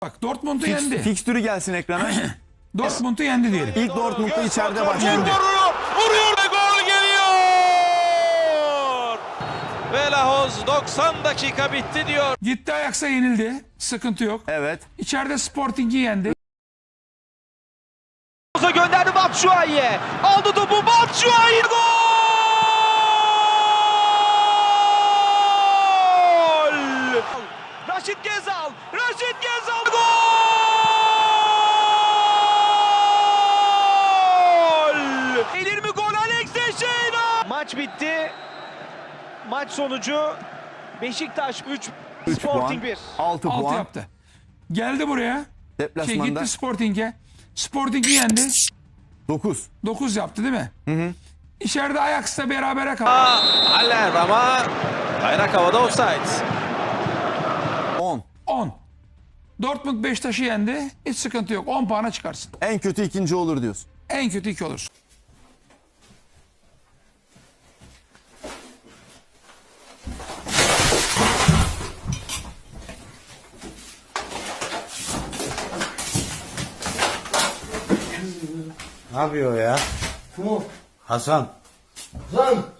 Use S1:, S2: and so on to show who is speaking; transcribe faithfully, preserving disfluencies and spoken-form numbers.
S1: Bak Dortmund'u
S2: Fix,
S1: yendi.
S2: fikstürü gelsin ekrana.
S1: Dortmund'u yendi diyelim.
S2: İlk Dortmund'da içeride başladı.
S3: Vuruyor ve gol geliyor. Ve Lahoz doksan dakika bitti diyor.
S1: Gitti Ajax'a yenildi. Sıkıntı yok.
S2: Evet.
S1: İçeride Sporting'i yendi.
S3: Lahoz'a gönderdi Batshuayi'ye. Aldı topu Batshuayi. Gol! Raşit Gezal. Raşit Gezal. Gol! Gelir mi gol Alex Teixeira? Maç bitti. Maç sonucu Beşiktaş üç,
S2: üç
S3: Sporting
S2: puan.
S3: bir.
S2: altı
S1: Altı
S2: puan.
S1: yaptı. Geldi buraya. Şey,
S2: Deplasmanda
S1: gitti Sporting'e. Sporting'i yendi.
S2: dokuz.
S1: dokuz yaptı değil mi? Hı hı. İçeride Ajax'la berabere kaldı.
S3: Haller ama bayrak havada offside.
S2: on.
S1: on. Dortmund Beşiktaş'ı yendi. Hiç sıkıntı yok. on puana çıkarsın.
S2: En kötü ikinci olur diyorsun.
S1: En kötü iki olursun.
S4: Ne yapıyor ya?
S5: Kim o?
S4: Hasan.
S5: Lan!